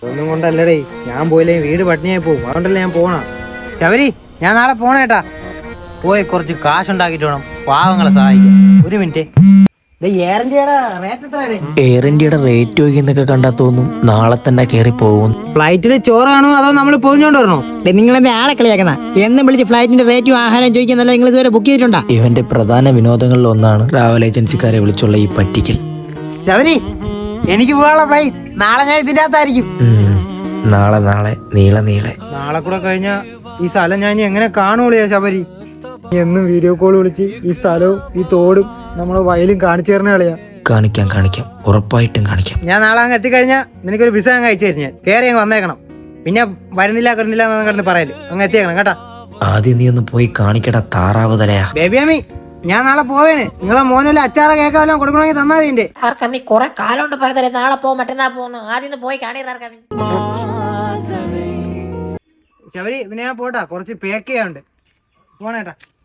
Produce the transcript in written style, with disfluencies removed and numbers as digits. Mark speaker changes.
Speaker 1: ഒന്നും കൊണ്ടല്ലടേ, ഞാൻ പോയില്ലേ വീട് പട്ടിണിയായി പോകും. അതുകൊണ്ടല്ലേ ഞാൻ പോണ. ശബരി, ഞാൻ നാളെ പോണേട്ടാ. പോയി കുറച്ച് കാശുണ്ടാക്കിട്ട് വേണം പാവങ്ങളെ സഹായിക്കാൻ. ഒരു മിനിറ്റ്. എയർ
Speaker 2: ഇന്ത്യയുടെ റേറ്റ് ചോദിക്കുന്നൊക്കെ കണ്ടാ തോന്നും നാളെ തന്നെ കയറി പോകും.
Speaker 1: ഫ്ലൈറ്റില് ചോറാണോ അതോ നമ്മൾ പോയിച്ചോണ്ട് വരണോ?
Speaker 3: നിങ്ങളെന്താ ആളെ കളിയാക്കുന്ന? എന്നും വിളിച്ച് ഫ്ലൈറ്റിന്റെ റേറ്റും ആഹാരം ചോദിക്കുന്നല്ല. നിങ്ങൾ ഇതുവരെ ബുക്ക് ചെയ്തിട്ടുണ്ടോ?
Speaker 2: ഇവന്റെ പ്രധാന വിനോദങ്ങളിൽ ഒന്നാണ് ട്രാവൽ ഏജൻസിക്കാരെ വിളിച്ചുള്ള ഈ പറ്റിക്കൽ.
Speaker 1: ശബരി, എനിക്ക് പോകാനുള്ള ഫ്ലൈറ്റ് നാളെ ഞാൻ ഇതിന്റെ അകത്തായിരിക്കും.
Speaker 2: നാളെ നീളെ
Speaker 1: നാളെ കൂടെ കഴിഞ്ഞാ ഈ സ്ഥലം ഞാൻ ഇനി എങ്ങനെ കാണുള്ളൂ ശബരി? എന്നും വീഡിയോ കോൾ വിളിച്ച് ഈ സ്ഥലവും ഈ തോടും നമ്മളെ വയലും കാണിച്ചു തരണ കളിയാ.
Speaker 2: കാണിക്കാം, ഉറപ്പായിട്ടും കാണിക്കാം.
Speaker 1: ഞാൻ നാളെ അങ്ങ് എത്തിക്കഴിഞ്ഞാ നിനക്കൊരു വിസ അങ്ങ് അയച്ചു തരും. ഞാൻ കയറി അങ്ങ് വന്നേക്കണം. പിന്നെ വരുന്നില്ല എന്ന് കിടന്ന് പറയല്. അങ്ങ് എത്തിയേക്കണം കേട്ടാ.
Speaker 2: ആദ്യം നീ ഒന്ന് പോയി കാണിക്കടാ താറാവ് തലയാ.
Speaker 1: ബേബിയാമി, ഞാൻ നാളെ പോവേണ്. നിങ്ങളെ മോനല്ല അച്ചാറ കേക്കെല്ലാം കൊടുക്കണമെങ്കിൽ തന്നാ ഇതിന്റെ
Speaker 4: കുറെ കാലം കൊണ്ട് പറയുന്നത് നാളെ പോകും മറ്റന്നാ പോകുന്നു. ആദ്യം പോയി കാണീർക്കാമി.
Speaker 1: ശബരി, പിന്നെ ഞാൻ പോട്ടാ, കുറച്ച് പേക്ക് ചെയ്യാനുണ്ട്. പോണേട്ടാ.